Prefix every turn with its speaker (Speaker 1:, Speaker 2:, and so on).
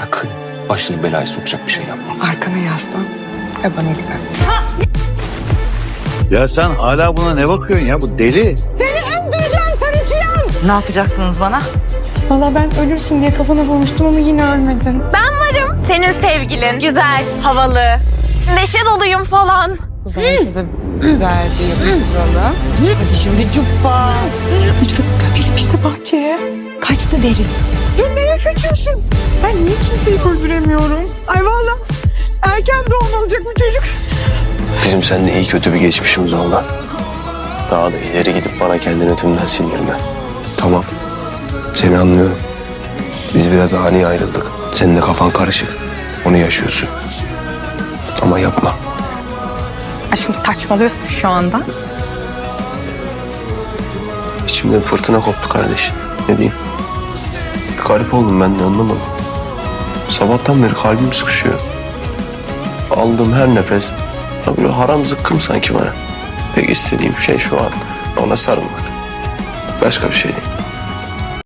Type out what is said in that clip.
Speaker 1: sakın başını belaya sokacak bir şey yapma.
Speaker 2: Arkana yaslan ve bana güven.
Speaker 3: Ya sen hala buna ne bakıyorsun ya? Bu deli.
Speaker 4: Ne yapacaksınız bana?
Speaker 2: Valla ben ölürsün diye kafana vurmuştum ama yine ölmedin.
Speaker 5: Ben varım. Senin sevgilin. Güzel, havalı. Neşe doluyum falan.
Speaker 2: Belki de güzelce yapıştıralım. Hadi şimdi cuppa. Lütfen gömelim işte bahçeye. Kaçtı deriz. Ya nereye kaçıyorsun? Ben niye kimseyi öldüremiyorum? Ay valla erken doğum olacak bu çocuk.
Speaker 1: Bizim seninle iyi kötü bir geçmişimiz oldu. Daha da ileri gidip bana kendini tümden sindirme. Tamam. Seni anlıyorum. Biz biraz ani ayrıldık. Senin de kafan karışık. Onu yaşıyorsun. Ama yapma.
Speaker 5: Aşkım saçmalıyorsun şu anda.
Speaker 1: İçimde bir fırtına koptu kardeş. Ne diyeyim? Bir garip oldum ben de anlamadım. Sabahtan beri kalbim sıkışıyor. Aldığım her nefes böyle haram zıkkım sanki bana. Tek istediğim şey şu an ona sarılmak. Başka bir şey değil.